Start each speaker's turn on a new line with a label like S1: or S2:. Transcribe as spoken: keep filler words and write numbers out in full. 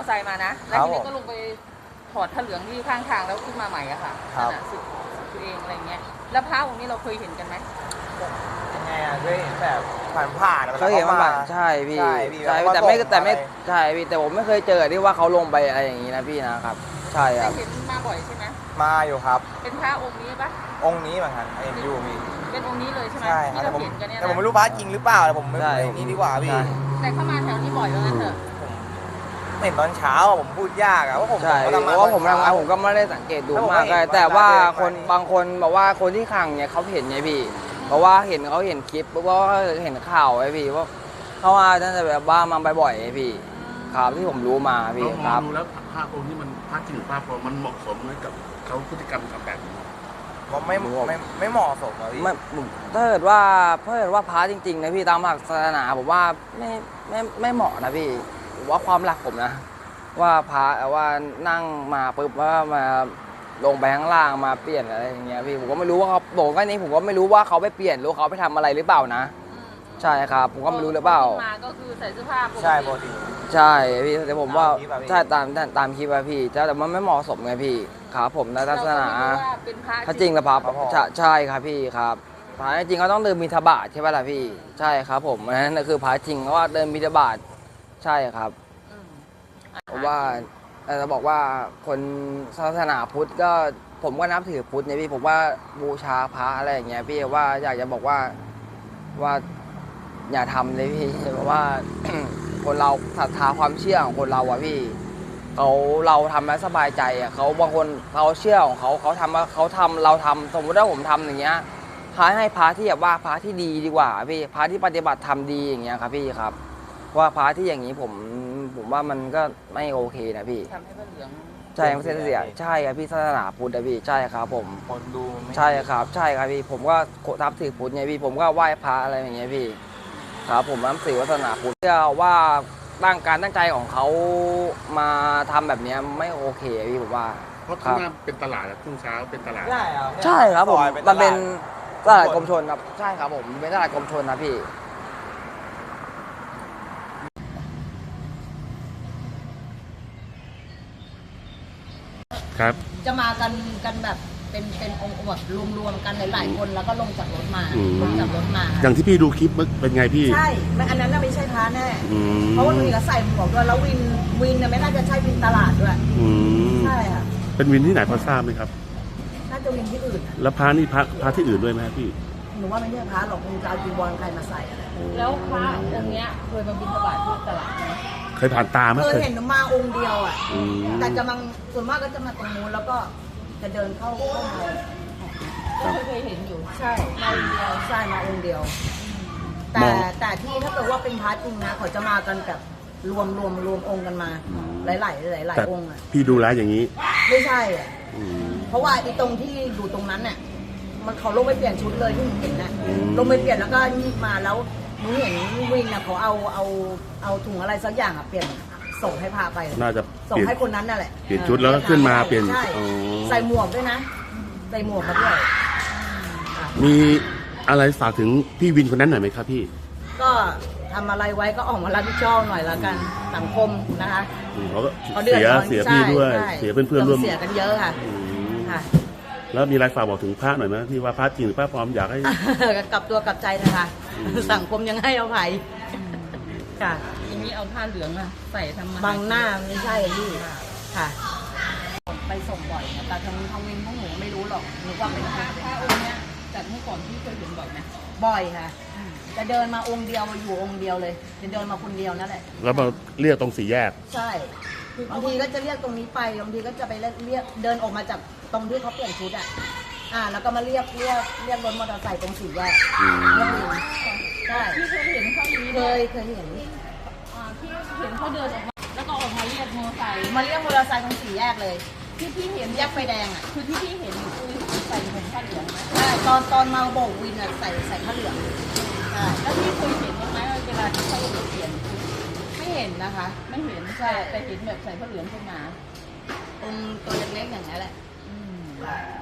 S1: อร์ไซค์มานะแล้วทีนี้ก็ลงไปถอดผ้าเหลืองที่ข้างทางแล้วขึ้นมาใหม่อะค่ะสึกตัวเองอะไรเงี้ยแล้วพระองค์นี้เราเคยเห็นกันไหม
S2: ยังไงอะเคยเห็นแบบผ่านผ่าน
S3: เขาเห็นมาใช่พี่ใช่แต่ไม่แต่ไม่ใช่พี่แต่ผมไม่เคยเจอที่ว่าเขาลงไปอะไรอย่างนี้นะพี่นะครับใช่ครับ
S1: เห็นมาบ่อยใช่ไหม
S2: มาอยู่ครับ
S1: เป็นพระองค์นี้ปะ
S2: องค์นี้เหมือนกันเอ็นยูมี
S1: เป็นองค์นี้เลยใช่ไหม
S2: ใช่ครับ
S1: ที่เราเห็นกันเนี่ย
S2: แต่ผมไม่รู้พระจริงหรือเปล่าแต่ผมไม่นี่ดีกว่าพี่
S1: แต่เข้ามาแถวนี้บ่อยว่างั้นเถอะ
S2: เห็นตอนเช้าผมพูดยากอะว่าผม
S3: ใช่เพราะว่าผมทำงานผมก็ไม่ได้สังเกตดูมากเลยแต่ว่าคนบางคนบอกว่าคนที่ขังเนี่ยเขาเห็นไงพี่เพราะว่าเห็นเขาเห็นคลิปเพราะว่าเห็นข่าวไอ้พี่ว่าเขาว่าน่าจะแบบบ้ามาบ่อยๆไอ้พี่ครับที่ผมรู้มาพี่ครับ
S4: ดูแล้วพระองค์นี้มันพระจริงหรือพระปลอมมันเหมาะสมไหมกับเขาพฤติกรรมทำแบบนี้
S2: ผมไม่ไม่ไม่เหมาะสมอะพี่
S3: ไม่ถ้าเกิดว่าถ้าเกิดว่าพระจริงๆนะพี่ตามหลักศาสนาผมว่าไม่ไม่ไม่เหมาะนะพี่ผมว่าความหลักผมนะว่าพระว่านั่งมาปุ๊บว่ามาลงไปข้างล่างมาเปลี่ยนอะไรอย่างเงี้ยพี่ผมก็ไม่รู้ว่าเขาบอกว่านี้ผมก็ไม่รู้ว่าเขาไปเปลี่ยนหรือเขาไปทำอะไรหรือเปล่านะใช่ครับผมก็ไม่รู้หรือเปล่า
S1: มาก็คือใส่เสื้อผ้าปกติ
S2: ใช่ปกติ
S3: ใช่พี่แต่ผมว่าใช่ตามตามคลิปอะพี่แต่มันไม่เหมาะสมไงพี่ครับผมในศาสนาถ้าจริงแล้วพระใช่ครับพี่ครับพระจริงเขาต้องเดินบิณฑบาตใช่ไหมล่ะพี่ใช่ครับผมนั่นคือพระจริงเพราะว่าเดินบิณฑบาตใช่ครับผมว่าจะบอกว่าคนศาสนาพุทธก็ผมก็นับถือพุทธเนี่ยพี่ผมว่าบูชาพระอะไรอย่างเงี้ยพี่ว่าอยากจะบอกว่าว่าอย่าทำเลยพี่เพราะว่า คนเราศรัทธาความเชื่อของคนเราอะพี่เขาเราทำแล้วสบายใจอะเขาบางคนเขาเชื่อของเขาเขาทำว่าเขาทำเราทำสมมติว่าผมทำอย่างเงี้ยพระให้พระที่แบบว่าพระที่ดีดีกว่าพี่พระที่ปฏิบัติธรรมดีอย่างเงี้ยครับพี่ครับว่าพระที่อย่างนี้ผมผมว่ามันก็ไม่โอเคนะพี่
S1: ทำให้พระเหลือง
S3: ใช่ไม่ใช่เสียใช่ครับพี่ศาสนาพุทธนะพี่ใช่ครับผม
S2: คนดู
S3: ใช่ครับใช่ครับพี่ผมก็ทับถือพุทธไงพี่ผมก็ไหว้พระอะไรอย่างเงี้ยพี่ครับผมนับถือศาสนาพุทธเชื่อว่าตั้งการตั้งใจของเขามาทำแบบนี้ไม่โอเคพี่ผมว่า
S4: เพราะข้างหน้าเป็นตลาดช่วงเช้าเป็นตลาด
S2: ใช่ครับ
S3: ใช่ครับผมมันเป็นตลาดกรมชลครับใช่ครับผมเป็นตลาดกรมชลนะพี่
S4: ครับ
S5: จะมากันกันแบบเป็นเป็นองค์แบบรวมๆกันหลายๆคนแล้วก็ลงจากรถมาลงจากรถมา
S4: อย่างที่พี่ดูคลิปเป็นไงพี่
S5: ใช่อันนั้นน่ะไม่ใช่พระแน่เพราะว่าหนูก็ใส่หมวกด้วยแล้ววินวินเนี่ยไม่น่าจะใช่วินตลาดด้วยใช่ค่ะ
S4: เป็นวินที่ไหนพอทราบไหมครับ
S5: น่าจะวินที่อื่น
S4: แล้วพระนี่พระพระที่อื่นด้วยไหมพี่
S5: หนูว่าไม่ใช่พระหรอกคงจะเอาจีวรใครมาใส่
S1: แล้วพระองค์เนี้ยเคยมาบิณฑบาตที่ตลาดไหม
S4: เคยผ่านตาไหม
S5: เคยเห็นมาองค์เดียวอ่ะแต่จะมาส่วนมากก็จะมาตรงนู้นแล้วก็จะเดินเข้าเข้ามา
S1: ก็เคยเห็นอยู่
S5: ใช่มาองค์เดียวใช่มาองค์เดียวแต่แต่ที่ถ้าเกิดว่าเป็นพระจริงนะเขาจะมากันแบบรวมรวมรวมองค์กันมาหลายหลายหลายหลายองค์อ่ะ
S4: พี่ดูแลอย่างนี้
S5: ไม่ใช่อ่ะเพราะว่าไอ้ตรงที่อยู่ตรงนั้นเนี่ยมันเขาลงไปเปลี่ยนชุดเลยที่หนูเห็นน่ะลงไปเปลี่ยนแล้วก็นีบมาแล้วหนูเห็นวินน่ะเขาเอาเอาเอาถุงอะไรสักอย่างอ่ะเปลี่ยนส่งให้พาไป
S4: น่าจะ
S5: ส่งให้คนนั้นนั่นแหละ
S4: เปลี่ยนชุดแล้วก็ขึ้นมาเปลี่ยน
S5: ใส่หมวกด้วยนะใส่หมวกมาด้วย
S4: มีอะไรฝากถึงพี่วินคนนั้นหน่อยไหมครับพี่
S5: ก็ทำอะไรไว้ก็ออกมารับผิดชอบหน่อยละกันสังคมนะคะ
S4: เขาก็เสียเสียพี่ด้วยเสียเพื่อนเพื่อนร่วม
S5: เสียกันเยอะค่ะค่ะ
S4: แล้วมีอะไรฝากบอกถึงพระหน่อยไหมที่ว่าพระจริงหรือพระปลอมอยากให้
S5: กลับตัวกลับใจนะคะสังคมยังให้อภัยค่ะ
S1: อย่างนี้เอาผ้าเหลืองอะใส่ทำมา
S5: บางหน้าไม่ใช่พี่ค่ะ
S1: ไปส่งบ่อยนะแต่ทางทางวินพวกหนูไม่รู้หรอกหนูว่าเป็นพระพระองค์เนี้ยแต่เมื่อก่อนพี่เคยเห็นบ่อยไหม
S5: บ่อยค่ะจะเดินมาองค์เดียวอยู่องค์เดียวเลยจะเดินมาคนเดียวนั่นแหละ
S4: แล้วมาเรียกตรงสี่แยก
S5: ใช่บางทีก็จะเรียกตรงนี้ไปบางทีก็จะไปเรียกเดินออกมาจากตรงที่เขาเปลี่ยนชุดอ่ะอ่าแล้วก็มาเรียกเรียกเรียกรถมอเตอร์ไซค์ตรงสี่แยกเรียกวินใช่
S1: พี่เคยเห็นเขามี
S5: เคยเคยเห็น
S1: อ่าพี่เห็นเขาเดินออกมาแล้วก็ออกมาเรียกมอเตอร์ไซค์
S5: มาเรียกมอเตอร์ไซค์ตรงสี่แยกเลย
S1: ที่พี่เห็น
S5: แยกไฟแดงอ่ะ
S1: คือที่พี่เห็นคือใส่ผมผ้าเหลืองไหม
S5: ใช่ตอนตอนมาโบกวินอ่ะใส่ใส่ผ้าเหลือง
S1: ใช่แล้วพี่เคยเห็นไหมว่าเวลาที่เขาเปลี่ยน
S5: ไม่เห็นนะคะ
S1: ไม่เห็นใช่แต่เห็นแบบใส่ผ้าเหลืองขึ้นมา
S5: ตรงตัวเล็กๆอย่างนี้แหละ